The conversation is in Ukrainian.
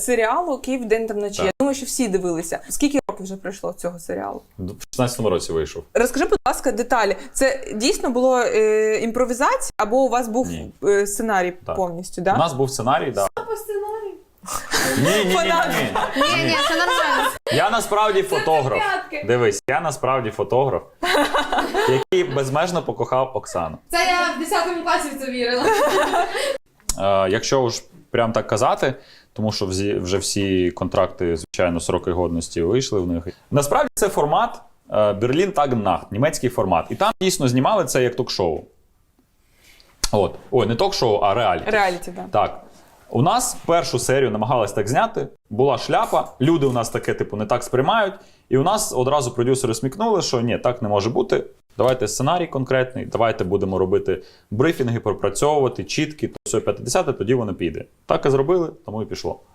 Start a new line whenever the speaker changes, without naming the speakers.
серіалу «Київ день та вночі».
Так.
Я думаю, що всі дивилися. Скільки років вже пройшло цього серіалу?
В 16-му році вийшов.
Розкажи, будь ласка, деталі. Це дійсно було імпровізація, або у вас був сценарій повністю, да?
У нас був сценарій, так.
По сценарію?
Ні.
Ні, це нормально.
Я насправді фотограф.
п'ятки.
Дивись, я насправді фотограф, який безмежно покохав Оксану.
Це я в 10 класі в це вірила.
Якщо ж прям так казати, тому що вже всі контракти, звичайно, сроки годності вийшли в них. Насправді це формат Берлін Таг Нахт, німецький формат. І там дійсно знімали це як ток-шоу. От. Ой, не ток-шоу, а реаліті.
Реаліті, так.
Так. У нас першу серію намагалась так зняти, була шляпа, люди у нас таке, типу, не так сприймають, і у нас одразу продюсери смікнули, що ні, так не може бути, давайте сценарій конкретний, давайте будемо робити брифінги, пропрацьовувати, чіткі, то все 50, тоді воно піде. Так і зробили, тому і пішло.